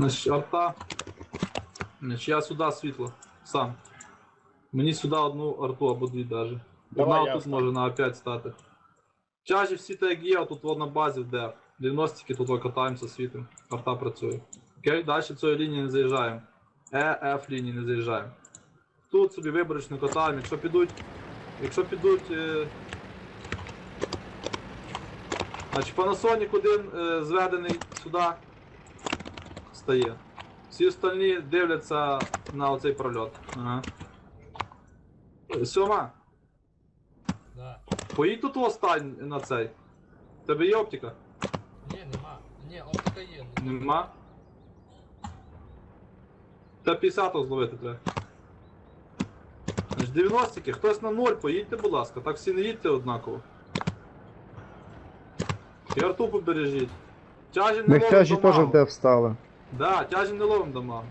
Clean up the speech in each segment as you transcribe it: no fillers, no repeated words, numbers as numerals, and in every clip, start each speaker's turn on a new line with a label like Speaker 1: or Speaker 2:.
Speaker 1: Значить, арта. Значить, я сюди світло. Сам. Мені сюди одну арту або дві даже.
Speaker 2: Давай,
Speaker 1: Одна
Speaker 2: я
Speaker 1: тут може на А5 стати. Тяжі всі так як є, тут на базі в ДФ. Діагностики тут катаємося світом. Арта працює. Окей, далі цієї лінії не заїжджаємо. Ф лінії не заїжджаємо. Тут собі виборочно катаємо. Якщо підуть... Значить, Panasonic один зведений сюди стає. Всі остальні дивляться на оцей прольот. Ага. Сьома.
Speaker 3: Да.
Speaker 1: Поїдь тут остань на цей. В тебе є оптика?
Speaker 3: Ні, нема. Ні, оптика є.
Speaker 1: Нема. Та 50-го зловити треба. Значить, 90-ки, хтось на 0, поїдьте, будь ласка, так всі не їдьте однаково. І арту побережіть. Тяжі не
Speaker 4: Ми
Speaker 1: ловим
Speaker 4: тяжі теж
Speaker 1: дамагу.
Speaker 4: в де встали.
Speaker 1: Да, тяжі не ловим дамагу.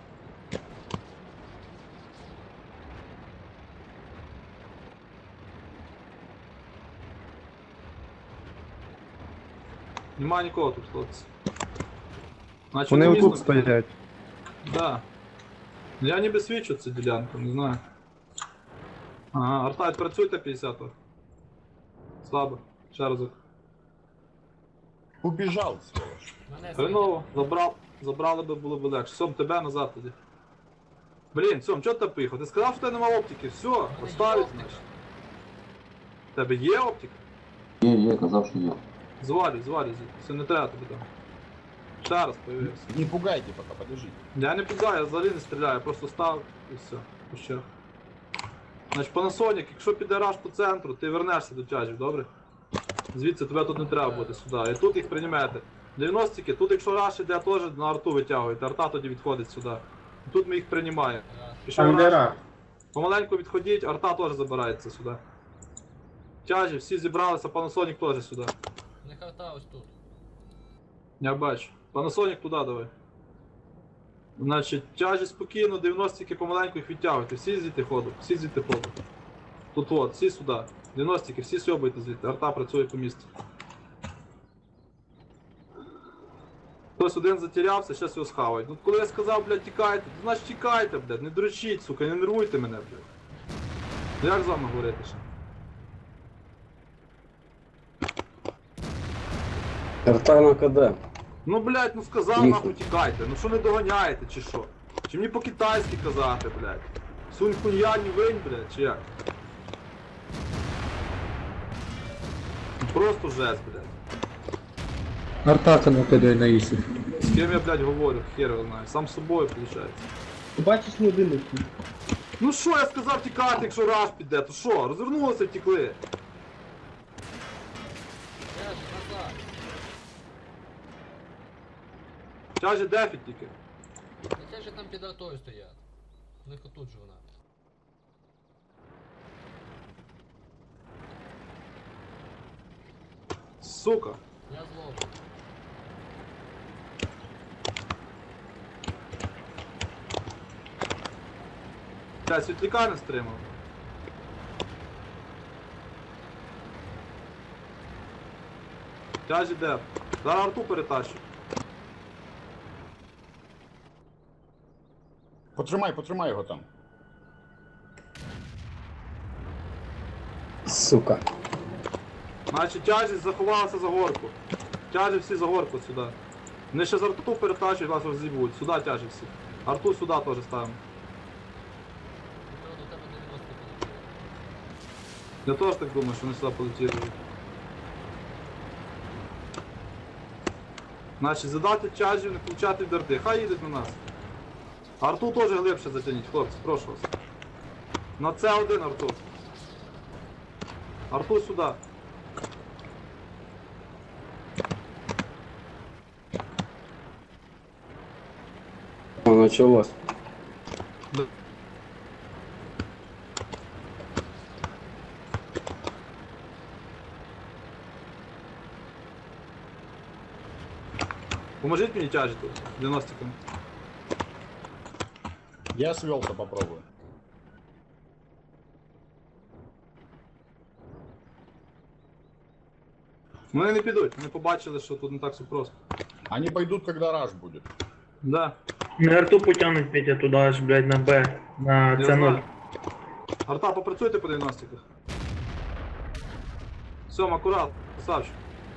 Speaker 1: Нема нікого тут, хлопці. Значить,
Speaker 4: Вони
Speaker 1: місто-
Speaker 4: отут стоять.
Speaker 1: Да. Я ніби свічу цю ділянку, не знаю. Ага, арта, працюйте 50-го. Слабо. Ще разок.
Speaker 2: Убежал, сволочь.
Speaker 3: Мене
Speaker 1: Хреново, забрали би, було б легше. Сом, тебе назад тоді. Блін, Сом, чого ти поїхав? Ти сказав, що в тебе нема оптики. Все,
Speaker 3: є
Speaker 1: оставить,
Speaker 3: оптика.
Speaker 1: значить. В тебе є оптика?
Speaker 5: Є, казав, що є.
Speaker 1: Звалюй, все не треба тобі там. Ще раз появився.
Speaker 2: Не пугайте пока, подождите.
Speaker 1: Я не підаю, я взагалі не стріляю, я просто став і все. Ще. Значить, Panasonic, якщо піде раш по центру, ти вернешся до тяжів, добре? Звідси тебе тут не треба бути сюди. І тут їх приймете. 90-ки, тут якщо раш іде, теж на арту витягуєте, арта тоді відходить сюди. І тут ми їх приймаємо. Пішов раш, помаленьку відходіть, арта теж забирається сюди. Тяжі, всі зібралися, Panasonic теж сюди.
Speaker 3: Не харта ось тут.
Speaker 1: Я бачу. Panasonic туди давай. Значить, тяжі спокійно, 90-ки помаленьку їх відтягуйте. Всі звідти ходу, всі звідти ходу. Тут от, всі сюди. 90-ки, всі сьобуйте звідти. Арта працює по місці. Хтось один затерявся, зараз його схавають. Ну коли я сказав, блядь, тікайте, то значить тікайте, блядь, не дрочіть, сука, не нервуйте мене, блядь. Ну як з вами говорити ще?
Speaker 6: Арта на КД.
Speaker 1: Ну, блядь, ну сказав, нахуй тікайте. Ну що не доганяєте, чи що? Чи мені по-китайськи казати, блядь? Сунь хунья не винь, блядь, чи як? Ну, просто жесть, блядь.
Speaker 7: Артака на КД на Ісі.
Speaker 1: З ким я, блядь, говорю, хер його знаю. Сам з собою, виходить.
Speaker 7: Ти бачиш не один.
Speaker 1: Ну що я сказав тікати, якщо раш піде, то що? Розвернулися, втікли.
Speaker 3: Я ж назад.
Speaker 1: Тяжі дефіт тільки.
Speaker 3: Це ж там під артою стоять. У них отут же вона.
Speaker 1: Сука.
Speaker 3: Я зловлю.
Speaker 1: Тя світляка не стримав. Тяжі деф. Зараз арту перетащу.
Speaker 2: Потримай його там.
Speaker 6: Сука.
Speaker 1: Значить, тяжі заховалися за горку. Тяжі всі за горку сюди. Вони ще з арту перетащують, вас роз'їбуть. Сюди тяжі всі. Арту сюди теж ставимо.
Speaker 3: Петро, до тебе 90 полетіло.
Speaker 1: Я теж так думаю, що вони сюди полетіли. Значить, задати тяжів, не включати від арти. Хай їдуть на нас. Арту теж глибше затягніть, хлопці, прошу вас. На це один арту. Арту сюди.
Speaker 6: Началось.
Speaker 1: Поможіть мені тяжі тут, 90-кам.
Speaker 2: Я свелся, попробую.
Speaker 1: Вони не підуть, вони побачили, що тут не так все просто.
Speaker 2: Они пойдут, когда раш будет.
Speaker 1: Да.
Speaker 4: На арту потягнуть Петя туди аж, блядь, на Б, на
Speaker 1: Я
Speaker 4: С0.
Speaker 1: знаю. Арта, попрацюйте по 90-ках. Сьом, акурат, красавчик.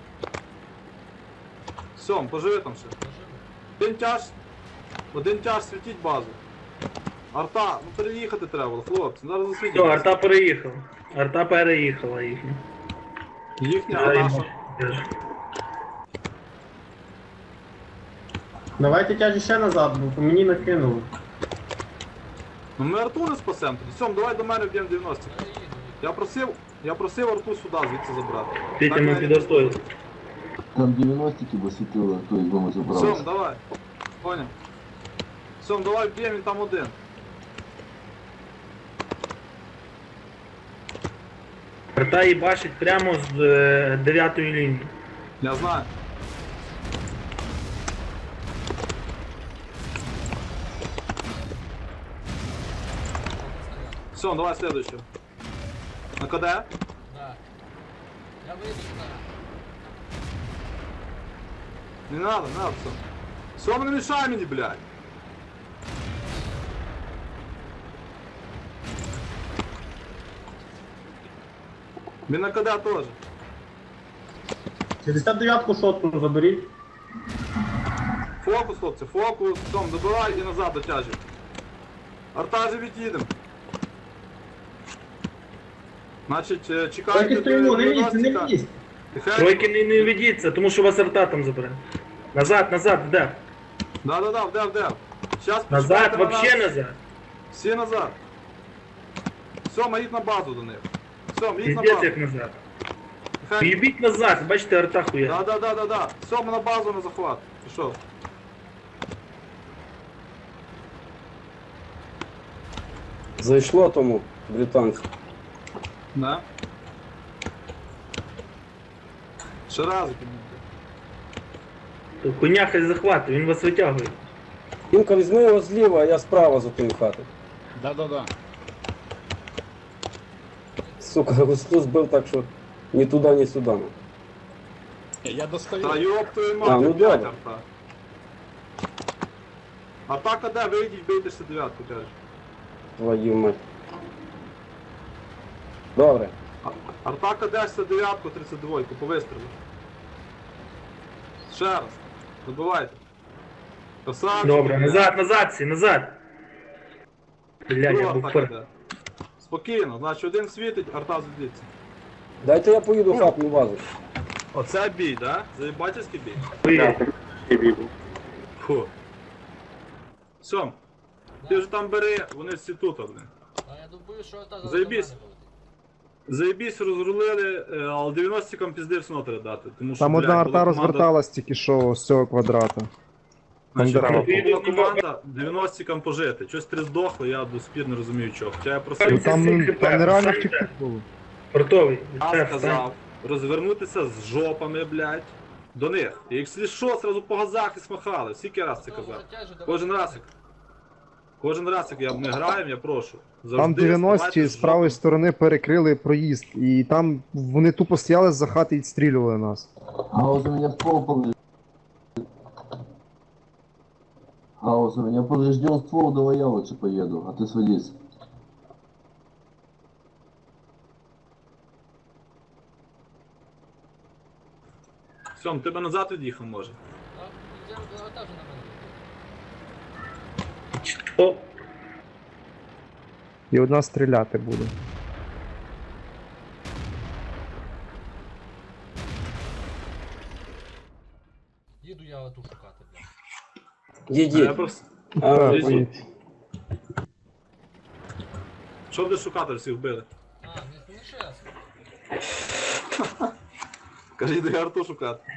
Speaker 1: Сьом, поживи там ще. Один тяж світіть базу. Арта, ну переїхати треба було, хлопці, зараз засвітіть.
Speaker 4: Все, арта переїхала. Арта переїхала їхня.
Speaker 1: Їхня,
Speaker 4: Да,
Speaker 1: а
Speaker 4: і
Speaker 1: наша.
Speaker 4: теж.
Speaker 7: Давайте тяжі ще назад, бо по мені накинули.
Speaker 1: Ну ми арту не спасемо тоді. Сьом, давай до мене вб'ємо 90. Я просив арту сюди, звідси забрати.
Speaker 4: Петя,
Speaker 1: Так,
Speaker 4: ми
Speaker 1: я-
Speaker 4: під артою.
Speaker 5: Там 90-ки висвітили, то якби ми
Speaker 1: Сьом,
Speaker 5: забрали.
Speaker 1: давай. Поняв. Сьом, давай вб'ємо, він там один.
Speaker 4: Арта їбашить прямо з 9-ї лінії.
Speaker 1: Я знаю. Все, давай следующего. На КД?
Speaker 3: Да. Я выйду сюда.
Speaker 1: Не надо, все. Все, не мешай мне, блядь. Мне на КД тоже.
Speaker 7: 69-ку шотку заберіть.
Speaker 1: Фокус, хлопці, фокус. Том, добивай і назад дотяжуй. Арта же від'їдем. Значить, чекайте.
Speaker 7: Так і стоїмо, не лізь, не лізь.
Speaker 4: Тройки не ведіться, тому що вас арта там забере. Назад, назад, вдав.
Speaker 1: Да, вдев. Сейчас
Speaker 4: Назад, вообще назад.
Speaker 1: Всі назад. Сьома, їдь на базу до них. Сьома, їдь на
Speaker 4: Піздець
Speaker 1: базу.
Speaker 4: як назад.
Speaker 1: Хай-
Speaker 4: Їбіть назад, бачите, арта хуя.
Speaker 1: Да. Сьома на базу на захват. Пішов.
Speaker 6: Зайшло тому британцю.
Speaker 1: Да. Ще разик.
Speaker 4: То Коня хай захватить, він вас витягує.
Speaker 6: Тімка, візьми його зліва, а я справа за тою хатою.
Speaker 2: Да-да-да.
Speaker 6: Сука, густу збив так, що ні туди, ні сюди.
Speaker 2: Я достаю.
Speaker 1: Та йоп твою
Speaker 6: А,
Speaker 1: мать,
Speaker 6: ну
Speaker 1: опять
Speaker 6: добре.
Speaker 1: арта. Атака де, вийдіть, бийте 69-ку, кажеш.
Speaker 6: Твою мать. Добре.
Speaker 1: Артака де 69-ку, 32-ку, по вистрілу. Ще раз. Добивайте. Красавчик.
Speaker 4: Добре, назад, назад всі, назад. Блядь,
Speaker 1: Друга
Speaker 4: я був
Speaker 1: атака
Speaker 4: пер.
Speaker 1: де. Спокійно, значить один світить, арта звідси.
Speaker 6: Дайте я поїду в хатну базу.
Speaker 1: Оце бій, да? Заєбательський бій?
Speaker 4: Хуя.
Speaker 1: Фу. Сьом, ти вже там бери, вони всі тут, блин.
Speaker 3: А я думаю, що та
Speaker 1: Заєбісь. Заєбісь, розрулили, але 90-кам пізди все одно треба дати. Тому що,
Speaker 8: Там одна
Speaker 1: блядь,
Speaker 8: арта
Speaker 1: була
Speaker 8: розверталась тільки що з цього квадрата.
Speaker 1: Значить,
Speaker 8: дерева.
Speaker 1: була команда 90-кам пожити. Щось три здохли, я до спір не розумію чого. Хоча я
Speaker 8: Ну,
Speaker 1: просив,
Speaker 8: там
Speaker 4: Це
Speaker 8: нереально
Speaker 4: це.
Speaker 8: втекти було.
Speaker 4: Портовий.
Speaker 1: я
Speaker 4: Це,
Speaker 1: сказав, розвернутися з жопами, блядь, до них. І якщо що, сразу по газах і смахали. Скільки раз це казав? Кожен раз, як ми граємо, я прошу.
Speaker 8: Там
Speaker 1: Завжди
Speaker 8: 90-ті
Speaker 1: ставайте
Speaker 8: з правої
Speaker 1: жопами.
Speaker 8: сторони перекрили проїзд, і там вони тупо стояли за хати і відстрілювали нас.
Speaker 5: Гаус, у меня ствол поврежден. Гаус, у меня поврежден ствол, давай я лучше поеду, а ты садись.
Speaker 1: Сьом, тебе назад від'їхав може.
Speaker 4: О,
Speaker 8: І одна стріляти буде.
Speaker 3: Їду я оту шукати, блядь.
Speaker 1: А я
Speaker 6: Їдіть.
Speaker 1: просто...
Speaker 6: А,
Speaker 1: Лізь.
Speaker 8: поїдь.
Speaker 1: Що будеш шукати, всіх вбили?
Speaker 3: А, не ще раз.
Speaker 1: Кажіть, де арту шукати.